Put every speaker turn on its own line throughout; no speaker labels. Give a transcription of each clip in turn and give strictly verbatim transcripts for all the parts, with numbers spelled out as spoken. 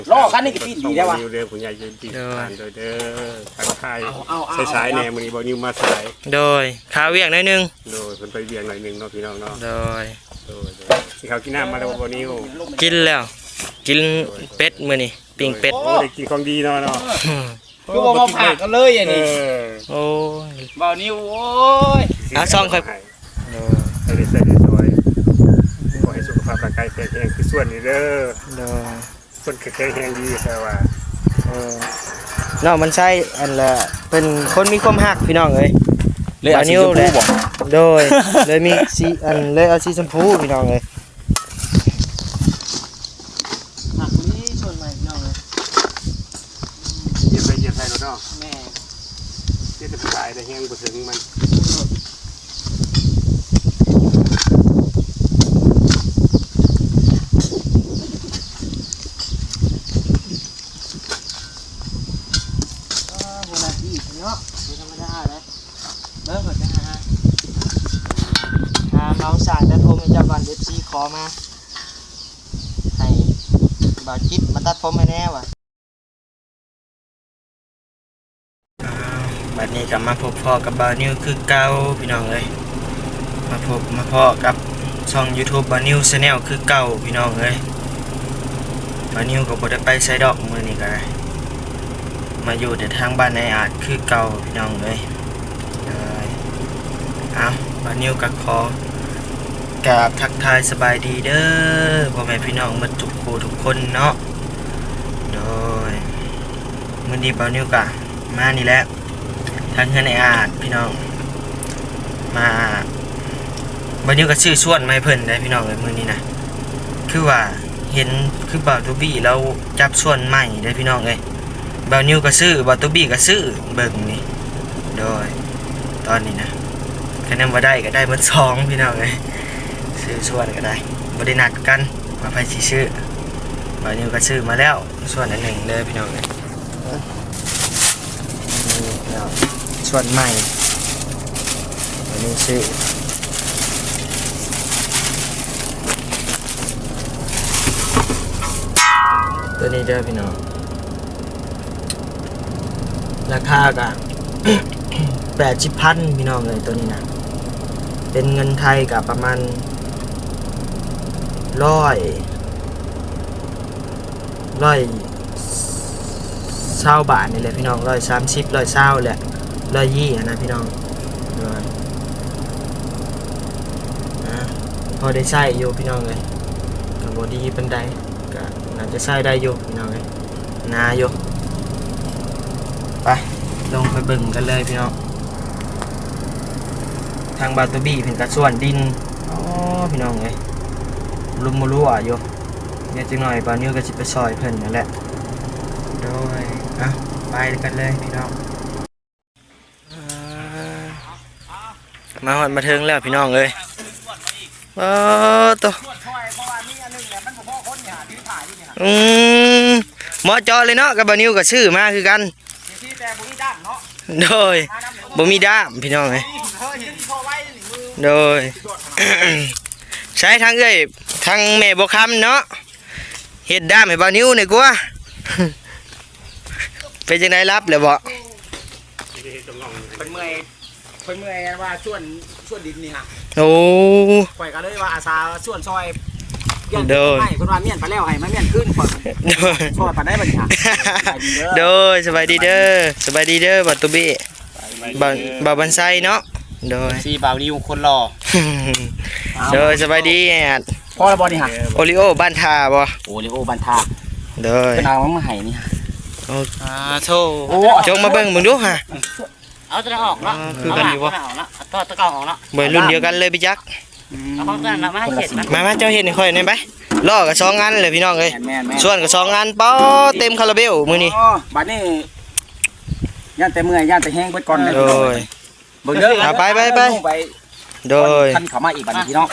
ล่อกันนี่ก็ปีดีได้วะ
เรื่องคุณยายยืนดีผ่านโดยเด้อทางไทยสายๆแหน่มื้อนี้บ่นิวมาสาย
โดยข้าวเวียงหน่อยนึง
โดยเพิ่นไปเวียงหน่อยนึงเนาะพี่น้องเนาะ
โดย
โดยสิเขากินน้ำมาแล้วบ่นิว
กินแล้วกินเป็ดมื้อนี้ปิ้งเป็ด
โอ้ได้กินของดีเนาะเนาะ
คือบ่มาผ่ากันเลยอันนี้
โอ้
ยบ่นิวโอ้ย
อ่ะซองค่อย
โอ้ให้ได้ใส่ได้สวยขอให้สุขภาพร่างกายแข็งแรงคือส่วนนี้เด้อ
โดย
คนแข็งแรงดีแต่ว่า
เออเนาะมันใช่อันละเป็นคนมีความฮักพี่น้องเอ้ย
เลยเอาสีชมพูบ่
โดยเลยมีสีอันเลยเอาสีชมพูพี่น้องเอ้ยฮักนี้ชวนใหม่พี่น้องเอ้ย
เหยียบไปเหยียบใส่รถเนาะ
แม่
เฮ็ดให้สายได้แฮงบ่ถึงมัน
เนาะไม่ธรรมดาเลยเบิ้งเขาจะหาหาเมาสารแต่โทรมาจากวันเอฟซีขอมาให้บ่าวจิ๊บมาตัดผมให้แน่ว่ะบัดนี้กลับมาพบพ่อกับบ่าวนิวคือเก่าพี่น้องเลยมาพบมาพ่อกับช่อง YouTube บ่าวนิว Channel คือเก่าพี่น้องเลยบ่าวนิวก็บ่ได้ไปไสดอกมื้อนี้ก็ได้มาอยู่แต่ทางบ้านในอาจคือเก่าพี่น้องเลยเลยเอาบ้านนิวกับคอกราบทักทายสบายดีเด้อพ่อแม่พี่น้องมาทุกคู่ทุกคนเนาะโดยมื้อนี้บ้านนิวกะมานี่แหละทางเฮือนในอาจพี่น้องมาบ้านนิวก็ชื่อชวนมาให้เพิ่นได้พี่น้องเลยมื้อนี้นะคือว่าเห็นคือบ่าวตูบี้เราจับชวนใหม่ได้พี่น้องเลยบ่าวนิวก็ซื้อบ่าวตูบี้ก็ซื้อเบิ่งนี่โดยตอนนี้นะคะแนนบ่ได้ก็ได้เบิดสองพี่น้องเอ้ยซื้อส่วนก็ได้บ่ได้นัดกันว่าไผสิซื้อบ่าวนิวก็ซื้อมาแล้วส่วนอันหนึ่งเลยพี่น้องเอ้ยนี่แล้วส่วนใหม่บ่าวนิวซื้อตัวนี้เด้อพี่น้องราคาก็ แปดสิบพันพี่น้องเลยตัวนี้นะเป็นเงินไทยกับประมาณร้อยร้อยเศร้าบาทนี่แหละพี่น้องร้อยสามสิบร้อยเศร้าแหละร้อยยี่นะพี่น้องนะพอได้ใช้อยู่พี่น้องเลยกับบอดี้เป็นไดก็น่าจะใช้ได้อยู่พี่น้องเลยนาอยู่ไปลงไปเบิ่งกันเลยพี่น้องทางบาตูบี้เป็นกระส่วนดินอ๋อพี่น้องเลยลุ่มมรั่วอยู่เนี่ยจังหน่อยบานิ้วก็จะไปซอยเพิ่นนั่นแหละโดยอ่ะไปกันเลยพี่น้องมาหอดมาถึงแล้วพี่น้องเลยโอ้ตัวอืมหมอจอเลยเนาะกับบานิ้วก็ชื่อมาคือกันโดยบ่มีด้ามพี่น้องเลยโดยใช้ทางเอ้ยทางแม่บ่คำเนาะเฮ็ดด้ามให้บ่าวนิ้วหน่อยกว่าเป็นจังได๋รับเลยบ่
เพิ่นเมื่อยเพิ่นเมื่อยว่าส่วนส่วนดินนี่ฮะ
โอ้
ข่อยก็เลยว่าอาสาส่วนซอยเด้อให้เพิ่นว่าเมียนไปแล้วให้มาเมียนขึ้นข่อยซอยปานได้บัดนี้ฮะ
โดยสบายดีเด้อสบายดีเด้อบ่าวตุบี้บ่าวบ่าวบันไซเนาะโดย
สีบ่าวนิวคนรอ
โดยสบายดีแอด
พ่อละบ่นี่ฮะ
โอริโอบ้านทาบ่
โอริโอบ้านทา
โดย
เป็นเอามาให้นี่ฮะ
อ่าโธ่จงมาเบิ่งมึงดูฮะ
เอาตัวออกเนาะ
คือกันอยู่บ่
ตัวตะเก่าออกเนาะ
เหมือนรุ่นเดียวกันเลยพี่จัก
เอาของนั่นน่ะมาให้เฮ็ด
มามาเจ้าเฮ็ดให้ค่อยหน่อยไปล้อก็สองอันเลยพี่น้องเอ้ยส่วนก็สองอันเป้าเต็มคาราเบลมื้อนี้
บัดนี้ย่านแต่เมื่อยย่านแต่แห้งเบิดก่อนเลย
โดย
เบิ่งเด้อ
ไปไปไปโดย
ท่านเข้ามาอีกบัดนี้พี่น้อง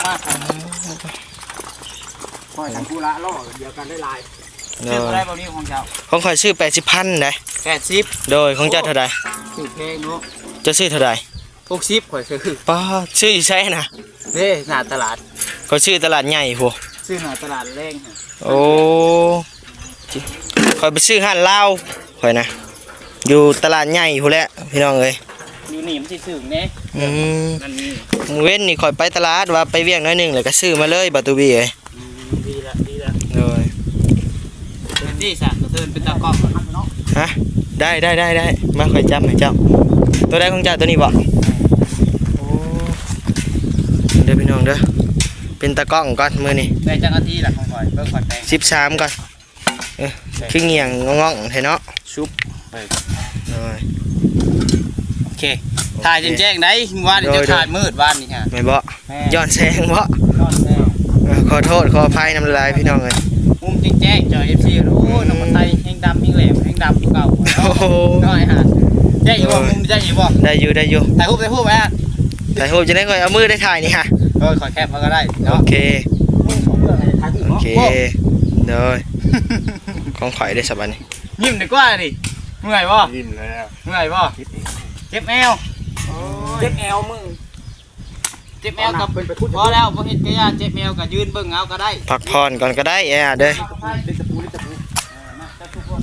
ค่อยทางธุระล้อเดียวกันได้หลายซื้ออะไรบ่นี้ของเจ้า
ของข่อยซื้อแปดสิบพันได้
แปดสิบ
โดยของเจ้าเท่าใด
ซื้อแพงเนาะ
จะซื้อเท่าใด
หกสิบข่อยซื้อ
ป้าซื้ออยู่ไสน่ะ
เด้หน้าตลาด
ข่อยซื้อตลาดใหญ่พุ
ซื้อหน้าตลาดแรง
โอ้ข่อยไปซื้อห้านลาวข่อยนะอยู่ตลาดใหญ่พู้นแหละพี่น้องเอ้ย
อยู่นี่มันสิถึงแน่
อืม
นั่นนี่
มื้อเว้นนี่ข่อยไปตลาดว่าไปเวียงน้อยหนึงแล้วก็ซื้อมาเลยบาตูบีเอ้ย
ดีละดีละ
โดย
เป็นที่สะกระเทินเป็นตากล้องเนาะ
ฮะได้ได้ได้ได้มาข่อยจับให้เจ้าตัวใดของเจ้าตัวนี้บ่โอ้เด้อพี่น้องเด้อเป็นตากล้องก่อนมื้อนี้
ได้จังนาทีละของข่อยเบิ่งข่อยแปลง
สิบสามก่อนเออคือเงียงงองๆให้เนาะ
ชุบ
โดย
โอเคถ่ายจนแจ้งได้ว่าเดี๋ยวจะถ่ายมืดวันนี้ฮะ
แม่นบ่ย้อนแสงบ่
ยอดแน่
เออขอโทษขออภัยน้ำลายพี่น้องเอ้ย
มุมจริงแจ้งเจอ เอฟ ซี รู้น้องคนไทยแห้งดำแห้งแหลมแห้งดำเก่า
โอ้โห
น้อยฮะแจ้งอยู่บ่มุมแจ้งอยู่บ่
ได้อยู่ได้อยู่
ถ่ายรูปถ่ายรูปไว้ฮะ
ถ่ายรูปจะได้ก่อยเอามือได้ถ่ายนี่ค่ะ
เออขอแคปมาก็ได้
โอ
เนาะ
เค
ถ่ายรูป
โอ
เนาะ
เคเด้อของข่อยได้สบายนี่
ยิ้มดีกว่าดิเมื่อยบ่
ยิ้มแล้ว
เมื่อยบ่เจ็บแอวเจ็บแอวมึงเจ็บแอวกับพอแล้วบ่เฮ็ดกะยาเจ็บแอวก็ยืนเบิ่งเอาก็ได้
พักผ่อนก่อนก็ได้แอ่เด้อ
ลิตะปูลิตะปูมาจับทุกคน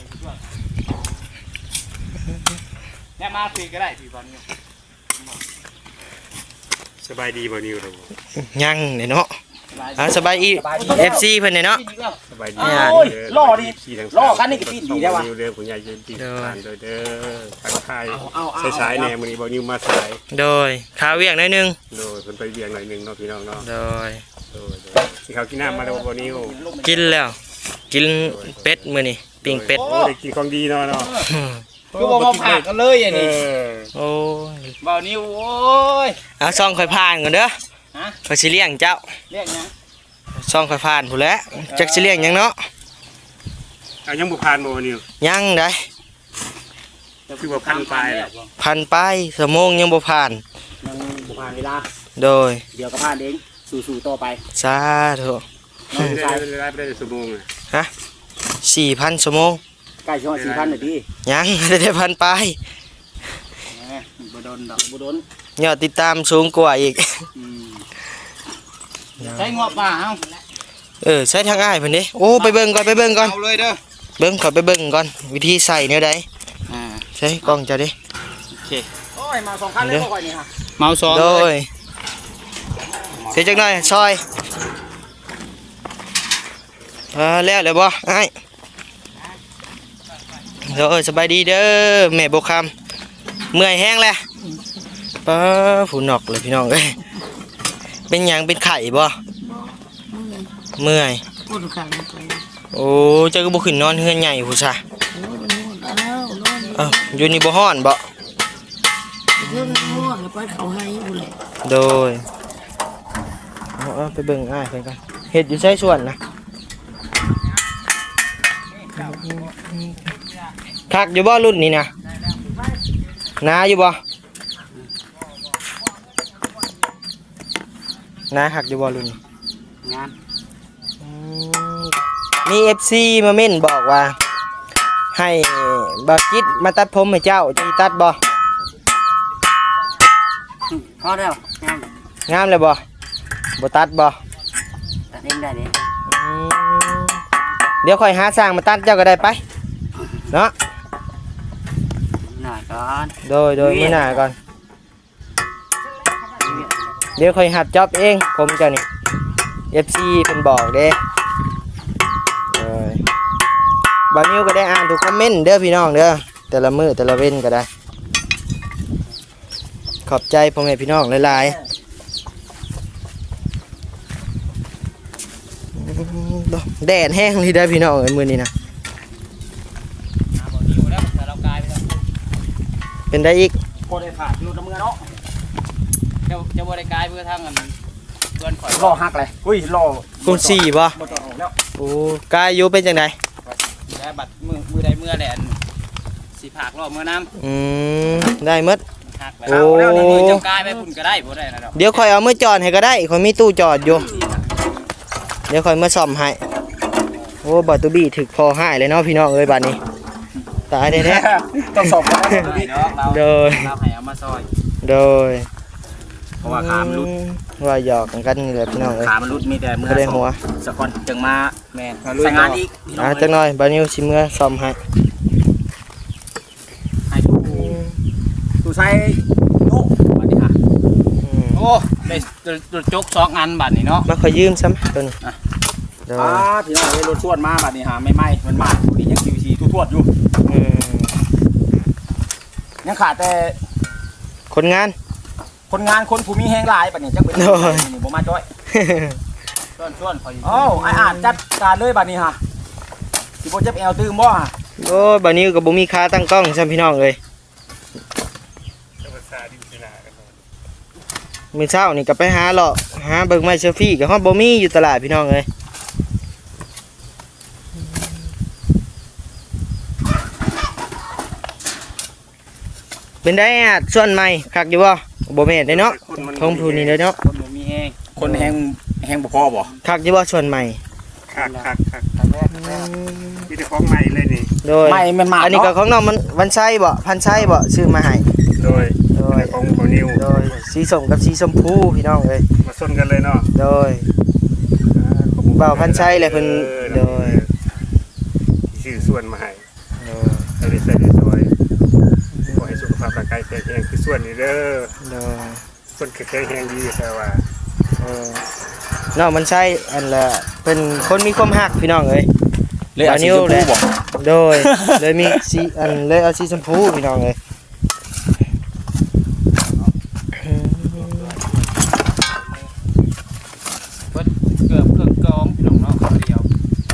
แม่มาคุยก็ได้พี่บอลนี่
สบายดีบ่นิวครับ
ยังเนี่ยเนาะอ่าสบายอี เอฟ ซี เพิ่นเนี่ยเนาะ
สบายดี
โอ้ยล่อดิ
ขี่ทั้ง
ล่อกันนี่ก็ปีนดีได้วะ
นิวเด้อผู้ใหญ่เย็นดีทานเด้อเด้อทางไทย
เอาเอา
สายๆแน่มื้อนี้บ่นิวมาสาย
โดยขาเวียงหน้อยหนึง
โดยเพิ่นไปเวียงหน่อยหนึงเนาะพี่น้องเนาะ
โดย
โดยสิเขากินน้ำมาแล้วบ่นิว
กินแล้ว กินเป็ดมื้อนี้ปิ้งเป็ด
โอ้ได้กินของดีเนาะเนาะ
คือบ่มาผ่ากันเลยอย่าง
เอ
นี้
อ
โอ้ย
เบานิ้วโอ้ย
เอาซ่องข่อยผ่านก่อนเด้อ
ฮะ
ข่อยสิเลี้ยงเจ้า
เรียกยัง
ซ่องข่อยผ่านพู้นแหล้วจักสิเลี้ยงหยังเนาะ
เอายังบ่ผ่านบ่นิว
ยังได้
คือว่าพันปลายแหละ
พันไปสมงยังบ่ผ่าน
ยังบ่ผ่านเวลา
โดย
เดี๋ยวก็ผ่านเองสู่ๆต่อไป
สาธุ
ได้ได้ได้ได้ชั่วโมงอ่ะ
ฮะสี่พันสมง
ใกล้ช่วงสี่พันนาที
ยัง ได้ได้พันไป
แหมบ่โดนดอกบ่โดน
ยอดติดตามสูงกว่าอีก
อืมใช้งบป่าเอ้า
เออใช้ทางง่ายเพิ่นเด้โอ้ไปเบิ่งก่อนไปเบิ่งก่อน
เอาเลยเด้อ
เบิ่งขอไปเบิ่งก่อนวิธีใส่แนวใด
อ่า
ใช้กล้องเจ้าดิ
โอเคโอ้ยมาสองคันเลยบ่ค่อยนี่ฮะเมาสอง
โด
เลย
ยเสียจักหน่อยซอยเออแล้วเลยบ่อ้ายโดยสบายดีเด้อแม่บ่คำเมื่อยแห้งแล้วป้าผู้นอกเลยพี่น้องเอ้ยเป็นหยังเป็นไข่บ่เมื่อย
พูดขังไป
โอ้เจ้าก็บ่ขึ้นนอนเฮือนใหญ่ผู้ซะ
โอ้ยมันนวดแล้วนวด
เอ้าอยู่นี่บ่ฮ้อนบ่
เรื่องนวดแล้วไปเขาให้อยู่แหละ
โดยเอาเอาไปเบิ่งอ้ายเพิ่นกันเฮ็ดอยู่ไสส่วนนะคักอยู่บ่รุ่นนี้นะนาอยู่บ่นาคักอยู่บ่รุ่นนี้
งาน
อืมมี เอฟ ซี มาเม่นบอกว่า ให้บ่าวจิตมาตัดผมให้เจ้าจะตัดบ่
พอแล้วงาน
งามเลยบ่บ่ตัดบ่
ตัดเองได้เลย
อืมเดี๋ยวค่อยหาสร้างมาตัดเจ้าก็ได้ไปเนาะ
หน่อยก่อน
โดยโดยมื้อหน้าก่อน เดี๋ยวค่อยหัดจ็อบเองผมเจ้านี่ เอฟ ซี เพิ่นบอกเด้เอ้ยบ่าวนิวก็ได้อ่านทุกคอมเมนต์เด้อพี่น้องเด้อแต่ละมื้อแต่ละเว้นก็ได้ ขอบใจพ่อแม่พี่น้องหลายๆแดดแห้งเลยได้อพี่น้องเอ้ยมื้อนี้นะ
บ่นิ้วแล้วแต่เรากลายไปแล้ว
เป็นได้อีก
บ่ได้ผ่านอยู่กับมือเนาะเจ้าเจ้าบ่ได้กลายเพื่อทางอันเพื่อนข่อย
รอหักเลยอุ้ยรอ
คูณสี่บ่
บ่ต้องออกแล้ว
โอ้กายอยู่เป็นจังได
ได้บัตรมือมือใดมือแหละอันสิผากรอบมือน้ำ
อืมได้หมด
หักไป
โอ้
แล้วนี่เจ้ากลายไปพุ่นก็ได้บ่ได้นะดอก
เดี๋ยวค่อยเอามือจอดให้ก็ได้ค่อยมีตู้จอดอยู่ เดี๋ยวค่อยมาซ่อมให้ โอ้บัตตูบี้ถึกพอให้เลยเนาะพี่น้องเอ้ยบัดนี้ ตายแท้
ต้องสอบกันได้
โดย
เราให้เอามาซอย
ๆโดย
เพราะว่าขามันรุด
ว่าหยอกกันนี่แหละพี่น้องเอ้ย
ขามันรุดมีแต่เมื่อ
บ่ได้หัว
สะกอนจึงมาแม่นใส่งานอีกพี่น้อง
อ่ะ
เอ้ย
จักหน่อยบานิวสิเมื่อซ่อมให้
ให้ตู้ตู้ใส่โน้บัดนี้ฮะ
อืม
โอ้ได้รถจกสองอันบัดนี้เนาะ
มาขอยืมซ้ำตัวนี้
อ่ะ
เดี๋ยว
อ่าพี่น้องเอ้ยรถชวนมาบัดนี้ฮะไม่ไหม้มันมาดูดิยัง คิว ซี ทั่วๆอยู่
อืม
ยังขาดแต่
คนงาน
คนงานคนผู้มีแฮงหลายบัดนี้จักเป็น
โอ้ย
นี่บ่มาจ้อยชวนชวนๆขออยู่อ้าวไอ้อ่านจัดการเลยบัดนี้ฮะสิบ่เจ็บแอวตื่มบ่ฮะ
โอ้ยบานิวก็บ่มีค่าตั้งกล้องซ้ำพี่น้องเอ้ย
ธรรมชาติดินนากันเนาะ
มื้อเช้านี่ก็ไปหาเลาะหาเบิ่งไม้เซลฟี่ก็ฮอดบ่มีอยู่ตลาดพี่น้องเอ้ยเป็นได้อ่ะส่วนใหม่คักอยู่บ่บ่แม่นได้เนาะ
คนมัน
ทงพูนี่เด้อเนาะ
คนบ่มีแฮงคนแฮงแฮงบ่พอบ่
คักอยู่บ่ส่วนใหม่
คักคักคัก
ครั้งแรก
มีแต่ของใหม่เลยนี่
โดย
ไม่มันมา
อันนี้ก็
เนาะ
ของน้องมันวันไส้บ่พันไส้บ่ซื้อมาให้
โดย
โดย
ของโบนิว
โดยสีส้มกับสีชมพูพี่น้องเอ้ย
มาส้นกันเลยเนาะ
โดย เบาพันไส้เลยเพิ่นโดย
ชื่อส่วนมาให้
โดย
ให้ได้ใส่ได้สวยขอให้สุขภาพร่างกายแข็งแรงคือส่วนนี้เด้อ
โดย
ส่วนแข็งแรงดีแต่ว่า
เออน้องมันไส้อันละเป็นคนมีความฮักพี่น้องเอ้ย
เลยเอาสีชมพูบ่
โดย เลยมีสีอันเลยเอาสีชมพูพี่น้องเอ้ย
เบิดเกือบเครื่องกรองพี่น้องเนาะคนเดียว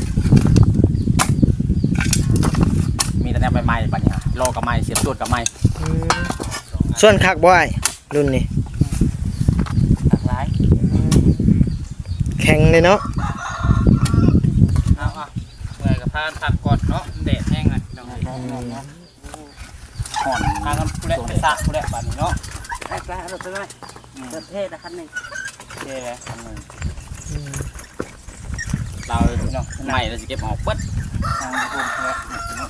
มีแต่แนวใหม่ๆบัดนี้ฮะโลกับใหม่เสียบตรวจกับใหม่
ส่วนคักบ่อ้ายรุ่นนี้
หลากหลาย
แข็งเลยเนาะ
เอาอ่ะเมื่อยกับพานผักก่อนเนาะแดดแห้งเลยน้องห่อนทางกันผู้แลไปซะผู้แลบัดนี้เนาะ
ไปไปรถไปเลยรถเทศนะคันหนึ่ง
โอเคเลยอันหนึงเราพี่น้องใหม่เราจะเก็บออกเบิดทางกลุ่มเนาะ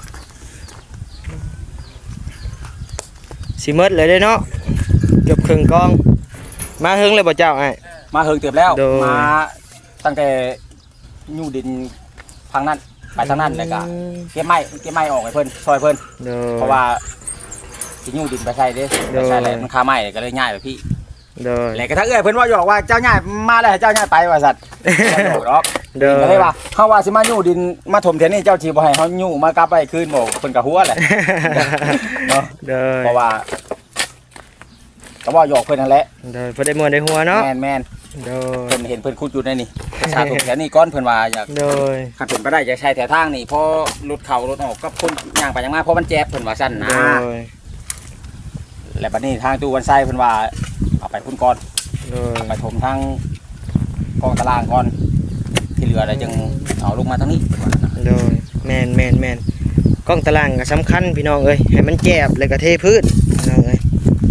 สิหมดเลยเด้อเนาะเกือบครึ่งกองมาเฮิงเลยบ่เจ้าอ้าย
มาเฮิงเติบแล้ว
โดย
มาตั้งแต่ยูดินทางนั้นไปทางนั้นเลยก็เก็บไม้เก็บไม้ออกให้เพิ่นซอยเพิ่น
โดย
เพราะว่าสิยูดินไปใส่เด้ไปใส่แหละมันคาไม้ก็เลยง่ายไปพี่
โดย
แหละก็ถ้าเอ้ยเพิ่นว่าหยอกว่าเจ้าง่ายมาแล้วให้เจ้าง่ายไปว่าสัตว์บ่หยอกหรอก
โดย
ก็เลยว่าเฮาว่าสิมายูดินมาถมเทยนนี่เจ้าสิบ่ให้เฮายูมากลับไปคืนบ่เพิ่นก็หัวแหละเนาะ
โดย
เพราะว่าก็ว่าหยอกเพิ่นนั่นแหละ
โดยพอได้มวนได้หัวเนาะ
แม่นแม่น
โดย
เพิ่นเห็นเพิ่นขุดอยู่ในนี่ชาถมแถวนี้ก้อนเพิ่นว่าอยาก
โดย
ขันเป็นไปได้จะใช้แถวทางนี่เพอรถเข่ารถออกกับคนย่างไปย่างมาเพราะมันแจ๊บเพิ่นว่าสั้นนะ
โดย
และบัดนี้ทางตู้วันไส้เพิ่นว่าเอาไปพุ่นก่อน
โดย
ไปถมทางกองตารางก่อนที่เหลืออะไรจึงเอาลงมาทางนี้เพิ่นว่านะ
โดยแมนแมนแมนกล้องตารางก็สำคัญพี่น้องเอ้ยให้มันแจบแล้วก็เทพื้นพี่น้องเอ้ย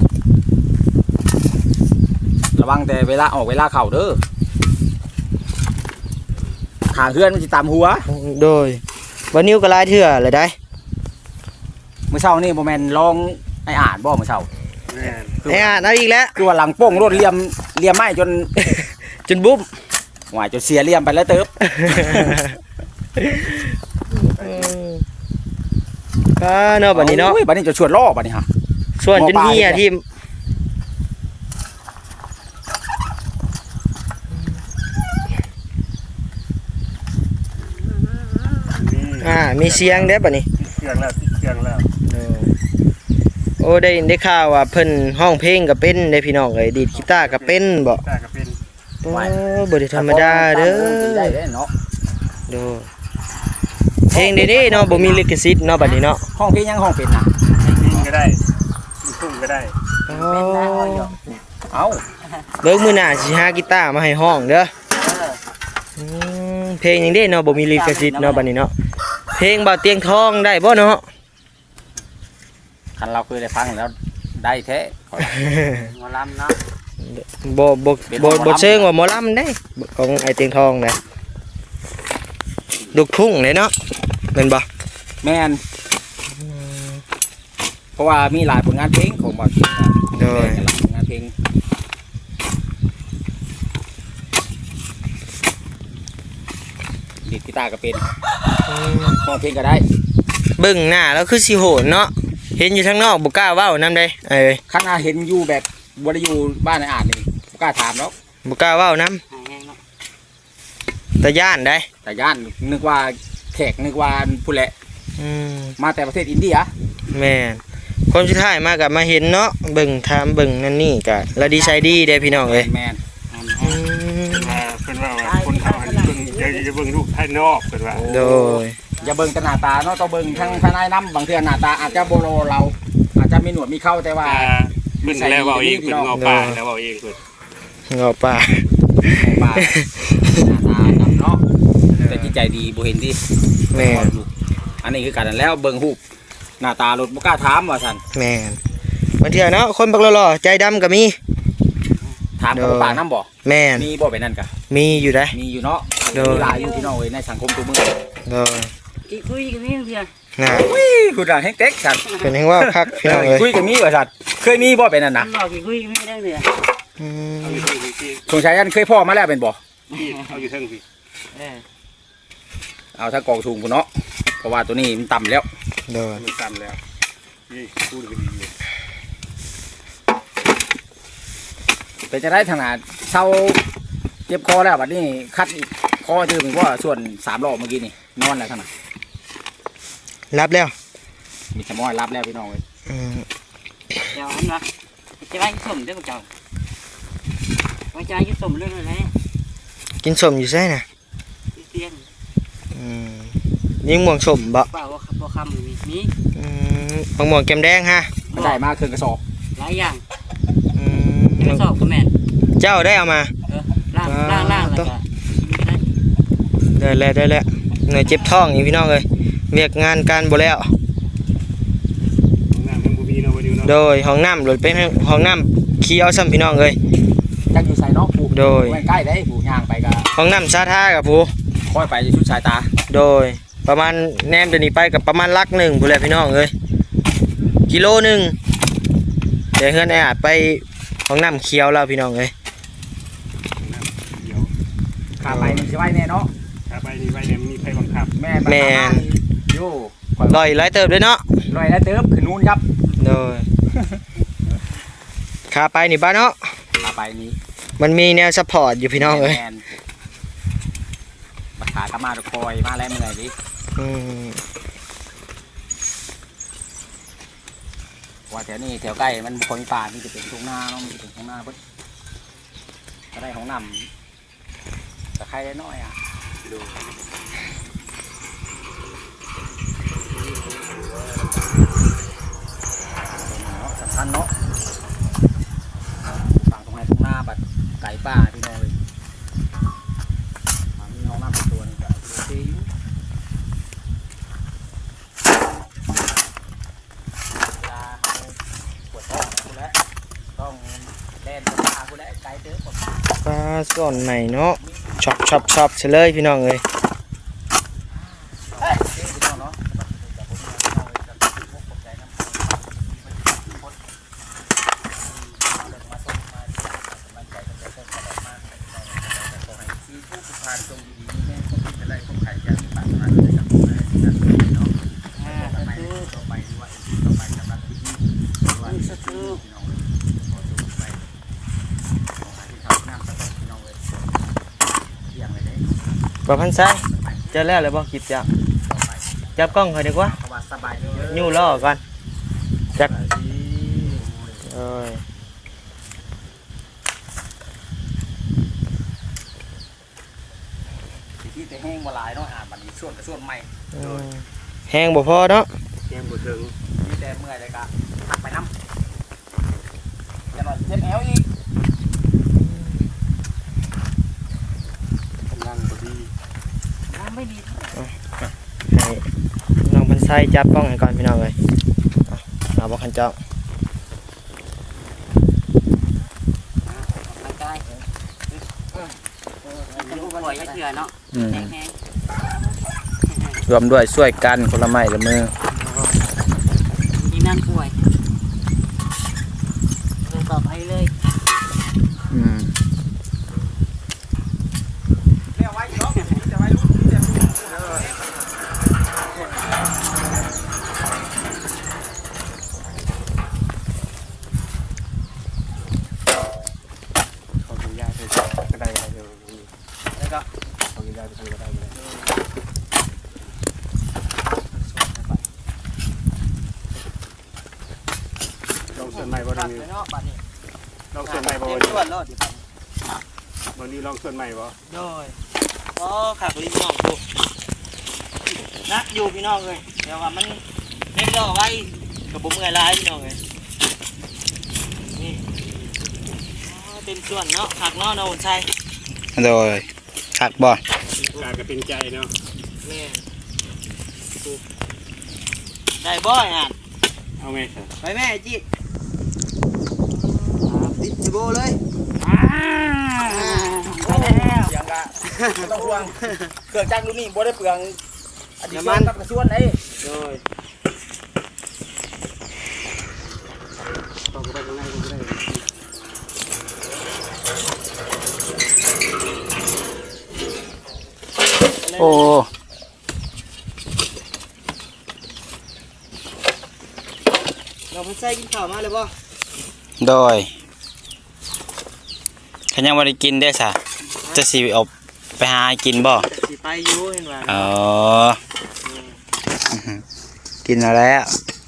ระวังแต่เวลาออกเวลาเข่าเด้อขางเฮือนมันสิตามหัว
โดยวันนิ้วก็ลายเถื่อเลยได้
มื้อเช้านี่บ่แม่นลองไอ้อ่านบ่มื้อเช้า
แม่น
คือ
ไอ้อ่านเอาอีกแล้ว
คือว่าหลังโป้งรถเหลี่ยมเหลี่ยมไม้จน
จนบุ้ม
หวายจนเสียเหลี่ยมไปแล้วเติบ
ก็เนาะบัดนี้เนาะ
โอ้ยบัดนี้จะชวนล่อบัดนี้ฮะ
ส่วนจนเฮียที่
มี
อ่ามีเสียงเด้อบัดนี้
ติดเครื่องแล้วติดเครื่องแล้ว
โอ้ได้ได้ข่าวว่าเพิ่นห้องเพลงก็เป็นได้พี่น้องเอ้ยดีดกีตาร์ก็เป็นบ่
ตาก็เป็น
โอ้บ่ได้ธรรมดาเด้อ
ได้เด้อเนาะ
โดยเพลงเด้ๆเนาะบ่มีลิขสิทธิ์เนาะบัดนี้เนาะ
ห้องเพลงยังห้องเป็นนะ
ยิงก็ได้ลูกทุ่งก็ได้
โอ้
เอา
เบิ่งมื้อหน้าสิหากีตาร์มาให้ห้องเด้ออืมเพลงหยังเด้เนาะบ่มีลิขสิทธิ์เนาะบัดนี้เนาะเพลงบ่าวเตียงทองได้บ่เนาะ
คันเราเคยได้ฟังแล้วได้แท้
หมอลำเนาะ
บ่บ่บ่บ่เชิงว่าหมอลำได้ของไอ้เตียงทองนะลูกทุ่งเลยเนาะแม่นบ่
แม่นเพราะว่ามีหลายผลงานเพลงของบอส
โดย
หลายผลงานเพลงกีตาร์ก็เป็น
อืม
ร้องเพลงก็ได้
เบิ่งหน้าแล้วคือสิโหนเนาะเห็นอยู่ทางนอกบ่กล้าเว้านำได้เอ้ย
ข้างหน้าเห็นอยู่แบบบ่ได้อยู่บ้านในอ่านนี่บ่กล้าถามเนาะ
บ่กล้าเว้านำ
หายแห้งเนาะ
แต่ย่านได้
แต่ย่านนึกว่าแขกนึกว่าผู้แหละ
อืม
มาแต่ประเทศอินเดีย
แม่นคนสุดท้ายมาก็มาเห็นเนาะเบิ่งถามเบิ่งนั่นนี่ก็แล้วดีใจดีเด้พี่น้องเอ้ย
แมน
อืม
อ่าเพิ่นว่าว่าคนเขาให้เบิ่งอย่าอย่าเบิ่งรูปภายนอกเพิ่นว่า
โดย
อย่าเบิ่งแต่หน้าตาเนาะต้องเบิ่งทั้งภายในน้ำบางเทื่อหน้าตาอาจจะโบโลเรา อาจจะมีหนวดมีเข้าแต่ว่า
อ่าเพิ่นแล้วเว้าเองเพิ่นเงาปากแล้วเว้าเองเพิ่น
เงาป่า
ปลาหน้าตาดำเนาะแต่จิตใจดีบ่เห็นที่
แม่น
อันนี้คือการนั้นแล้วเบิ่งรูปหน้าตารถบ่กล้าถามว่าซั่น
แม่นบางเทื่อเนาะคนบักหล่อๆใจดำก็มี
ถามกับปากน้ำบ่
แม่น
มีบ่เป็นนั่นกะ
มีอยู่ได้
มีอยู่เนาะ
โดย
มีหลายอยู่ที่น้องเอ้ยในสังคมตัวมือ
โดย
กี่คุยกันนี่เพียง
น่ะ
อุ้ยคุณด่าให้เต็กซั่น
เป็นแห่งว่าคักพี่น้องเอ้ย
คุยกันมีว่าซั่นเคยมีบ่เป็นนั่นนะ
มันบอกกี่คุยกันไม่ได้เลย
อืม
เอาอยู่เทิงพี่พี่
สงสัยอันเคยพ่อมาแล้วเป็นบ่
พี่เอาอยู่เทิงพี่
เออ
เอาถ้ากองสูงพุ่นเนาะเพราะว่าตัวนี้มันต่ำแล้ว
โดย
มันซ้ำแล้วนี่พูดกันดีอยู่
แต่จะได้ทางหนาเศร้าเจ็บคอแล้วบัดนี้คัดอีกคอจือเป็นว่าส่วนสามรอบเมื่อกี้นี่นอนแล้วทางหนา
รับแล้ว
มีสมอยรับแล้วพี่น้องเลย
อืม
เจ้าอันวะจะไปสมได้ป่ะเจ้าว่าจะยุสมเรื่องอะไร
กินสมอยู่ใช่น่ะ
เตียน
อืมยิงม่วงสมบ่
เปล่าว่าพอคำมีมี
อืมบางม่วงแก้มแดงฮะ
มันได้มาเครื่องกระสอบ
หลายอย่าง
อืม
ไม่สอบก็แม่น
เจ้าได้เอามา
เออล่างล่างล่างแล้วก็ได้
ได้แล้วได้แล้วเหนื่อยเจ็บท้องอีกพี่น้องเอ้ยเวียกงานการบ่แล้ว
น้ำมันบ่มีเนาะบ่ดีเนาะ
โดยห้องน้ำหลุดเป็นห้องน้ำขี้เอาซ้ำพี่น้องเอ้ย
จักอยู่ใส่เนาะผูก
โดย
ไม่ใกล้ได้ผูกย่างไปก็
ห้องน้ำสาธากับผู้
ค่อยไปชุดสายตา
โดยประมาณแนมเดี๋ยวนี้ไปกับประมาณลักหนึ่งผู้แลพี่น้องเอ้ยกิโลหนึ่งเดี๋ยวเฮือนไอ้อาจไปห้องน้ำเขียวแล้วพี่น้องเอ้ย
น้ำเดี๋ยว
ขาไปนี่สิไว้แน่เนาะ
ถ้าไปนี่ไปเนี่ยมีไผบังคับ
แม่ไปทำงานอยู่ข่อย
ลอยไล่เติบด้วยเนาะ
ลอยแล้วเติบขึ้นนู้นครับ
โดยขาไปนี่บ้านเนาะ
ขาไปนี้
มันมีแนวซัพพอร์ตอยู่พี่น้องเอ้ย
แมนบักขากระมาตะคอยมาแล้วเมื่อยดิ
อืม
ว่าแถวนี้แถวใกล้มันบ่คนป่านี่จะเป็นทุ่งนาเนาะมันจะเป็นทุ่งนาเพิ่นก็ได้ของนำแต่ใครได้น้อยอ่ะดูเนาะสำคัญเนาะฝั่งตรงไหนทุ่งนาบัดไก่ป่าพี่น้องเลยมีห้องน้ำเป็นตัวนึงก็โอเคอยู่เวลาเขาปวดท้องกูแล้วต้องแล่นไปป่ากูแล้วไก่เด้อปวด
ปลาส่วนใหม่เนาะช็อปช็อปช็อปเฉลยพี่น้องเอ้ย
เฮ้ยพี่น้องเนาะแต่ผมเอาไว้จะพกใจน้ำคนมาส่งมามันใจมันจะเพิ่มกระดอกมากขอให้ซีผู้ผู้พานจงดีๆแม่คนที่จะได้คนไข่ยาที่ปากมาเลยกับผมเลยนั่นเนาะต่อไปต่อไปดีว่าต่อไปสำหรับที่นี่ว่าพี่น้องขอจงไปขอให้ที่ทำน้ำสต๊อกพี่น้องเลยเที่ยงเลยได้
บ่พันซ้ายเจอแล้วเลยบ่คลิปจ้ะ
ต่อไป
จับกล้องค่อยดีกว่า
เพราะว่าสบายดีเยอะ
ยู่ล่อก่อนจักเอ้ย
ที่แต่แห้งมาหลายเนาะอ่านบัดนี้ส่วนกับส่วนใหม่
อืมแห้งบ่พอเนาะ
แก้มบ่ถึง
มีแต่เมื่อยเลยกะหักไปน้ำอย่าหน่อยเจ็บแอวอีก
กำลังบ่ดี
น้ำไม่ดี
ให้น้องพันซ้ายจับกล้องให้ก่อนพี่น้องเอ้ยเอาเอาบ่คันเจ้า
ร่างกายจะรู้ว่าลอยเถื่อเนาะแห้งแห้ง
รวมด้วยช่วยกันคนละไม้ละมือ
ทีมงานป่วยเลยต่อไปเลย
อืมเรียกไว้เนาะจะไว้ลูกจะ
วนใหม่บ่
ตั
ได้
ด
มี
ไปเนาะบัดนี้
ลองส่วนใหม่บ่
เต็ม
วันนี้
ส่วนรถดิบัด
วันนี้ลองส่วนใหม่บ่
โดยอ๋อขักลิ้นน้องกูนักอยู่พี่น้องเลยเดี๋ยวว่ามันเล่นก็ไว้กับผมเมื่อยร้ายพี่น้องเลยนี่อ๋อเต็มส่วนเนาะขักเนาะเนาะใช่
โดยคักบ่
การก็เป็นใจเนาะ
แม่ได้บ่อยอ่ะ
เอาไหมครับ
ไปแม่จีติดจิโบเลย
ไปแล้ว
อย่างละต้องห่วงเครื่องจักรรุ่นนี้บ่ได้เปลืองอดีตกับกระส่วนไหน
โดย
ต้องไปข้างในก็ได้
โอ้
เราไปใส่กินข้าวมาเลยบ่
โดยขันยังบ่ได้กินได้ซะจะสิเอาไปหากินบ่
สิไปอยู่เห็นว่า
อ๋อกินแล้ว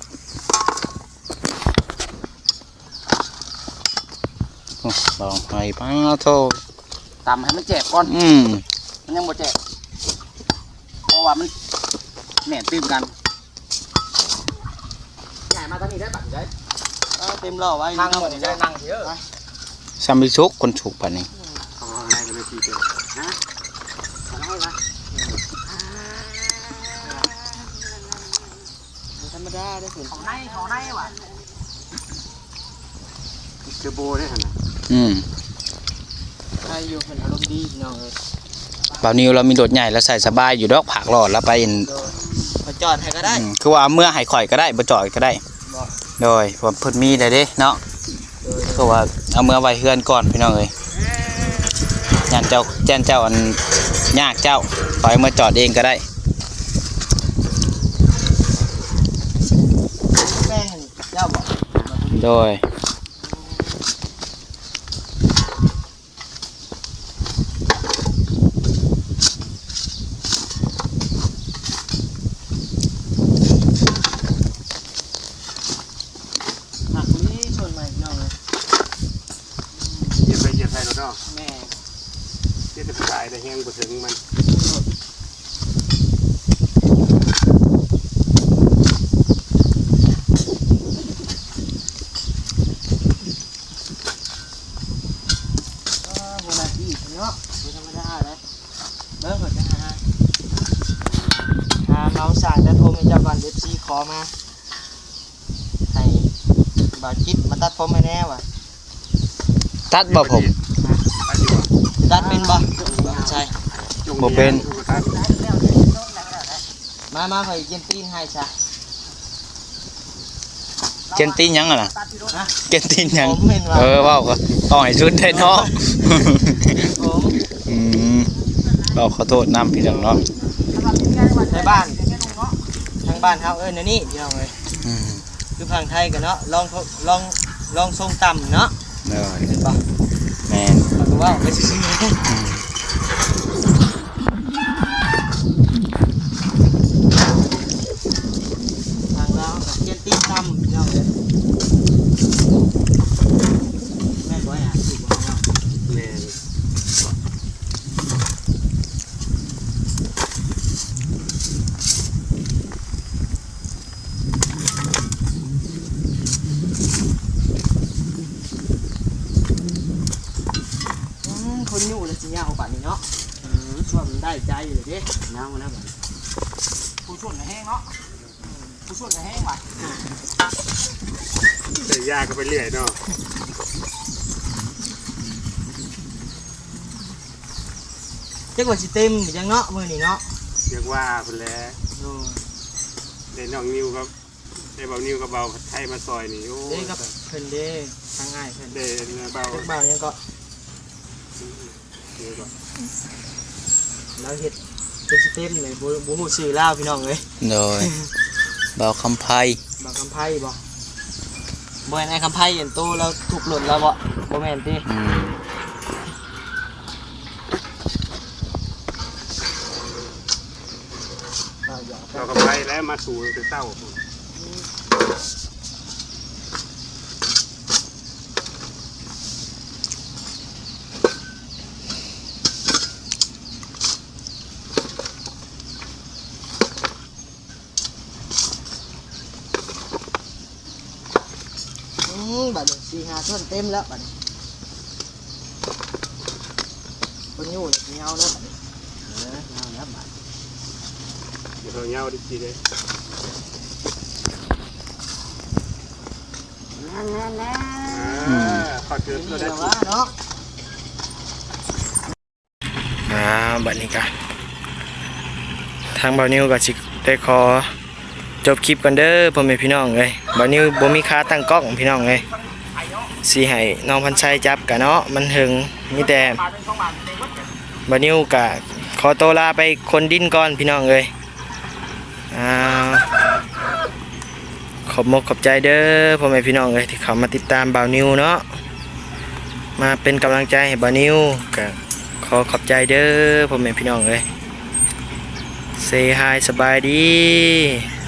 โอ้ลองไปป้าโท
ตำให้มันเจ็บก่อน
อืม
มันยังบ่เจ็บเพราะว่ามันแหน่นตื้มกันใหญ่มาทางนี้ได้บัดได้
เอาเต็มรอไว้
ทางหมดนี่ได้นั่งเยอะ
ซัมบิชุกคนฉุกป่านนี้
เอาข้างในก็ได้ทีเดียว
ฮะขอให้วะ
ธรรมดาได้สุด
ของในของในว่ะ
เทอร์โบได้หั่นน่ะ
อืม
ใครอยู่เป็นอารมณ์ดีพี่น้องเอ้ย
บ่าวนิวเรามีรถใหญ่แล้วใส่สบายอยู่ดอกผักหลอดแล้วไปอั่น
โดยมาจอดให้ก็ได้
อืมคือว่าเอาเมื่อให้ข่อยก็ได้บ่จอดก็ได้
บ่
โดยผมเพิ่นมีได้เด้เนาะ
โดย
คือว่าเอาเมื่อไว้เฮือนก่อนพี่น้องเอ้ยยันเจ้าแจ้นเจ้าอันยากเจ้าปล่อยมาจอดเองก็ได้
แม่งเจ้าบ่
โดย
หักนี้ส่วนใหม่พี่น้องเลย
เหยียบไปเหยียบไปรถเนาะ
แม่
เจ็ดสิบสายได้แห้งบ่ถึงมัน
ก็โบราณที่เนาะบ่ธรรมดาเลยเบิ่งเพิ่นจะหาหาเมาสั่งแต่โทรให้เจ้าบ้าน เอฟ ซี ขอมาให้บ่าวจิตมาตัดผมให้แน่ว่ะ
ตัดบ่ผม
ไปดีกว่า
ตัดเป็นบ่บ่ใช่
จง
บ่เป็น
ถูกตัด
มามาข่อยเย็นตีนให้ซะ
เกนตีนหยังอ่ะน่ะ
ฮะ
เกนตีนหยัง
ผมเห็นว่า
เออเว้าก็ต้องให้ชุดได้เนาะ
ผม
อืมเราขอโทษนำพี่น้องเนาะ
ในบ้านทางบ้านเฮาเอิ้นอันนี้พี่น้องเอ้ย
อืม
คือพังไทยกันเนาะลองทลองลองทรงต่ำเนาะ
เด้อ
เห็นปะ
แม่น
เราก็ว่าไปซื้อๆ
อืม
ทางเรากับเกียนตีนต่ำพี่น้องเอ้ยแม่นบ่อยอ่ะถูกบ่เนาะ
แม่น
อืมคนอยู่แล้วสิยาวป่านนี้เนาะอืมส่วนมันได้ใจเลยเด้ยาวนะบัด
ผู้ช่วยแห้งเนาะผู้ช่วยแห้งว่ะ
แต่ยาก็ไปเรื่อยเนาะ
จักว่าสิเต็มอีกจังเนาะมื้อนี้เนาะ
เรียกว่าพุ่นแหละ
โอ้
ได้น้องนิวครับได้เบานิวกับเบาไทยมาซอยนี่โอ้
เด้กับเพิ่นเด้ทางง่ายเพิ่น
ได้เบา
จักบ่าวยังก็
เดี๋ยวก่อน
เราเฮ็ดเป็นสิเต็มเลยบ่บ่ฮู้ชื่อลาวพี่น้องเอ้ย
โดยเบาคำไพ
บ่คำไพ่บ่บ่แม่นไอ้คำไพ่เห็นโตแล้วถูกหล่นแล้วบ่บ่แม่นติ
อืม
อ่าอย่า
เราก็ไปแล้วมาสู่ตั้งแต่เต้า
มบัดนี้สี่ห้าส่วนเต็มแล้วบัดนี้คนอยู่เลยเงาแล้วบัดนี้เออเงาแล้วบัด
เดี๋ยวเราเงาดิจีเลย
นั่นนั่นนั่น
อ่าขอดเกิน
นี่
เราได้
แหละ
จี
ว่าเนาะอ่าบัดนี้กันทางบ่าวนิวก็สิได้ขอจบคลิปกันเด้อพ่อแม่พี่น้องเอ้ยบ่าวนิวบ่มีค่าตั้งกล้องพี่น้องเอ้ยสิให้น้องพันชัยจับกะเนาะมันถึงมีแต่บ่าวนิวก็ขอตัวลาไปคนดินก่อนพี่น้องเอ้ยอ่าขอบมกขอบใจเด้อพ่อแม่พี่น้องเอ้ยที่เข้ามาติดตามบ่าวนิวเนาะมาเป็นกำลังใจให้บ่าวนิวก็ขอขอบใจเด้อพ่อแม่พี่น้องเอ้ย Say hi สบายดี